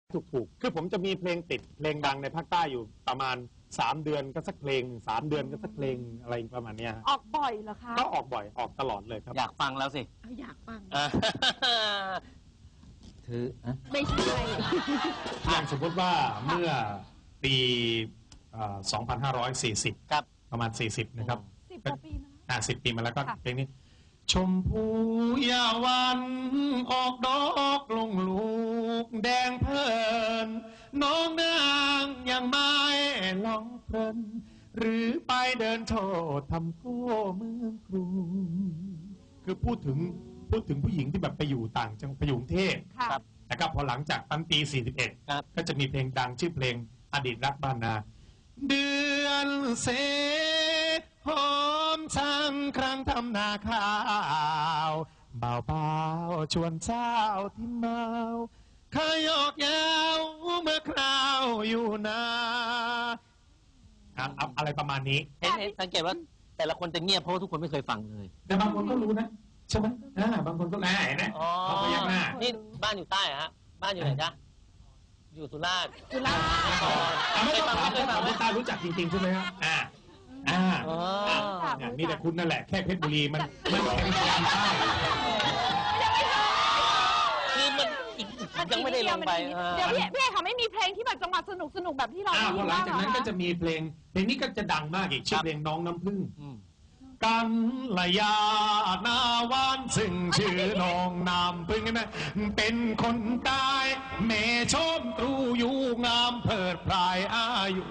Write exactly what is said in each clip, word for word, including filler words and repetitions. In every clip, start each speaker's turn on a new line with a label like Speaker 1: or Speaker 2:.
Speaker 1: ถูกๆคือผมจะมีเพลงติดเพลงดังในภาคใต้อยู่ประมาณสามเดือนก็สักเพลงสามเดือนก็สักเพลงอะไรประมาณนี้ฮะ
Speaker 2: ออกบ่อยเหรอคะ
Speaker 1: ก็ออกบ่อยออกตลอดเลยครับ
Speaker 3: อยากฟังแล้วสิ
Speaker 2: เอาอยากฟัง
Speaker 3: ถือ
Speaker 2: ไม่ใช่
Speaker 1: อย่างสมมติว่าเมื่อปีสองพันห้าร้อยสี่สิบ
Speaker 3: ครับ
Speaker 1: ประมาณสี่สิบนะครับ
Speaker 2: สิบกว่าปีมา
Speaker 1: อ่าสิบปีมาแล้วก็เพลงนี้ชมพูยาวันออกดอกลงลูกแดงเพลินน้องนางยังไม่ลองเพลินหรือไปเดินโชว์ทำโก้เมืองกรุงคือพูดถึงพูดถึงผู้หญิงที่แบบไปอยู่ต่างจังไปอยู่กรุงเทพ
Speaker 2: ครับ
Speaker 1: นะครับพอหลังจากตั้งปีสี่สิบเอ็ดก็จะมีเพลงดังชื่อเพลงอดีตรักบ้านนาเดือนเสหอมช่างครั้งทำนาข้าวเบาเบาชวนเช้าที่เมาขยอกยาวเมื่อคราวอยู่นาอะไรประมาณนี้
Speaker 3: เห็นเห็นสังเกตว่าแต่ละคนจะเงียบเพราะทุกคนไม่เคยฟังเลย
Speaker 1: แต่บางคนก็รู้นะใช่ไหมบางคนก็แหมเห็นไหมเขาพยักหน้า
Speaker 3: นี่บ้านอยู่ใต้ฮะบ้านอยู่ไหนจ๊ะอยู่สุราษฎร์
Speaker 2: สุราษฎร์
Speaker 1: ไม่เคยฟังไม่เคยฟังไม่ตารู้จักจริงๆใช่ไหมครับอ่าอ่ามีแต่คุณนั่นแหละแค่เพชรบุรีมันมันแข็งแรงใต้
Speaker 3: คือมันยังไม่ได้ลงไป
Speaker 2: เดี๋ยวพี่พี่เขาไม่มีเพลงที่แบบจังหวะสนุกสนุกแบบที่เราได้ยิน
Speaker 1: หลังจากนั้นก็จะมีเพลงเพลงนี้ก็จะดังมากอีกชื่อเพลงน้องน้ำผึ้งกันละยาหน้าวานซึ่งชื่อน้องน้ำผึ้งนะเป็นคนตายแม่ชมตรูอยู่งามเพิดพรายอายุ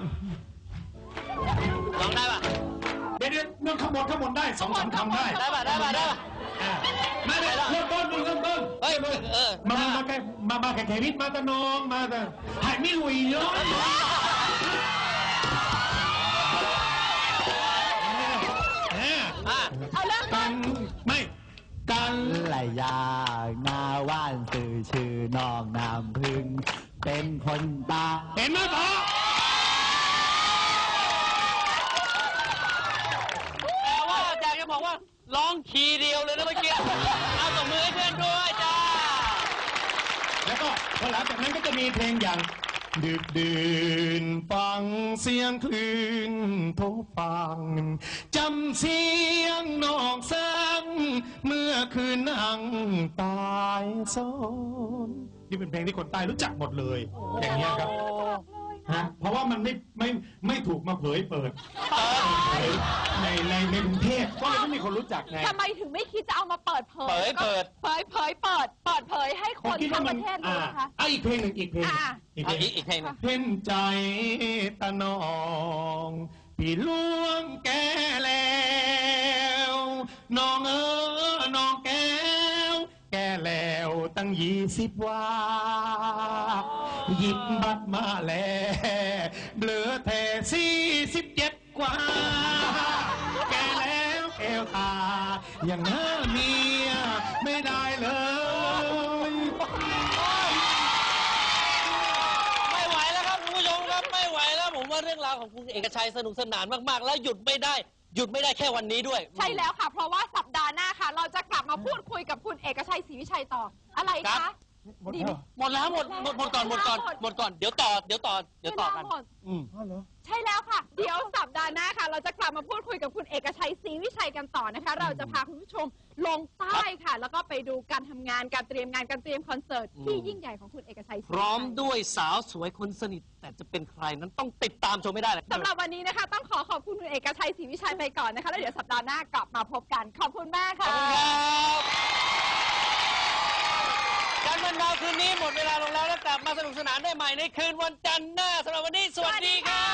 Speaker 3: ร้องได้ปะ
Speaker 1: เดี๋ยวเรื่องขบวนขบวนได้สองสามคำได้
Speaker 3: ได้ปะได้ปะได้ปะ
Speaker 1: มาเลยเริ่มต้นเริ่มต้น
Speaker 3: เฮ้ยเออ
Speaker 1: มามาแค่มามาแค่แค่วิทมาตะนองมาแต่หายไม่ลุยเยอะ
Speaker 2: เอาเริ่มต้น
Speaker 1: ไม่กัน
Speaker 4: ไหลยาหน้าว่านสื่อชื่อน้องน้ำพึ่งเป็นคนตา
Speaker 1: เห็นไหมพ่อ
Speaker 3: แต่ว่าอยากจะบอกว่าร้องคีย์เดียวเลยนะเมื่อกี้เอาตบมือให้เพื่อนด้วยจ้า
Speaker 1: แล้วก็พอหลังจากนั้นก็จะมีเพลงอย่างดึกดื่นฟังเสียงคลื่นโทฟังจำเสียงนอกสังเมื่อคืนนั่งตายโซนนี่เป็นเพลงที่คนใต้รู้จักหมดเลยอย่างนี้ครับฮะเพราะว่ามันไม่ไม่ไม่ถูกมาเผยเปิดในในในกรุงเทพก็เลยไม่มีคนรู้จักไง
Speaker 2: ทำไมถึงไม่คิดจะเอามาเปิดเผย
Speaker 3: เผยเปิด
Speaker 2: เผยเผยเปิดเปิดเผยให้คนทั้งประเทศรู้นะคะ
Speaker 1: อ่ะอีกเพลงหนึ่งอีกเพลง
Speaker 3: อีกเพลงอีกเพลง
Speaker 1: เพ่นใจตะนองพี่ล่วงแก่แล้วน้องเออน้องแก้วแก่แล้วตั้งยี่สิบว่าหยิบบัตรมาแล้วเหลือแท่สี่สิบเจ็ดกว่าแก่แล้วแก้วตาอย่างหน้าเมียไม่ได้เลย
Speaker 3: ไม่ไหวแล้วครับคุณผู้ชมครับไม่ไหวแล้วผมว่าเรื่องราวของคุณเอกชัยสนุกสนานมากๆแล้วหยุดไม่ได้หยุดไม่ได้แค่วันนี้ด้วย
Speaker 2: ใช่แล้วค่ะเพราะว่าสัปดาห์หน้าค่ะเราจะกลับมาพูดคุยกับคุณเอกชัยศรีวิชัยต่ออะไรคะ
Speaker 3: ดีหมดแล้วหมดหมดหมดก่อนหมดก่อนหมดก่อนเดี๋ยวต่อเดี๋ยวต่อเดี๋ยวต่อกัน
Speaker 1: อืม
Speaker 2: ใช่แล้วค่ะเดี๋ยวสัปดาห์หน้าค่ะเราจะกลับมาพูดคุยกับคุณเอกชัยศรีวิชัยกันต่อนะคะเราจะพาคุณผู้ชมลงใต้ค่ะแล้วก็ไปดูการทำงานการเตรียมงานการเตรียมคอนเสิร์ตที่ยิ่งใหญ่ของคุณเอกชัย
Speaker 3: พร้อมด้วยสาวสวยคนสนิทแต่จะเป็นใครนั้นต้องติดตามชมไม่ได้เลย
Speaker 2: สำหรับวันนี้นะคะต้องขอขอบคุณคุณเอกชัยศรีวิชัยไปก่อนนะคะแล้วเดี๋ยวสัปดาห์หน้ากลับมาพบกันขอบคุณมากค่ะ
Speaker 3: การบันเทิงคืนนี้หมดเวลาลงแล้วแล้วกลับมาสนุกสนานได้ใหม่ในคืนวันจันทร์หน้าสำหรับวันนี้สวัสดีครับ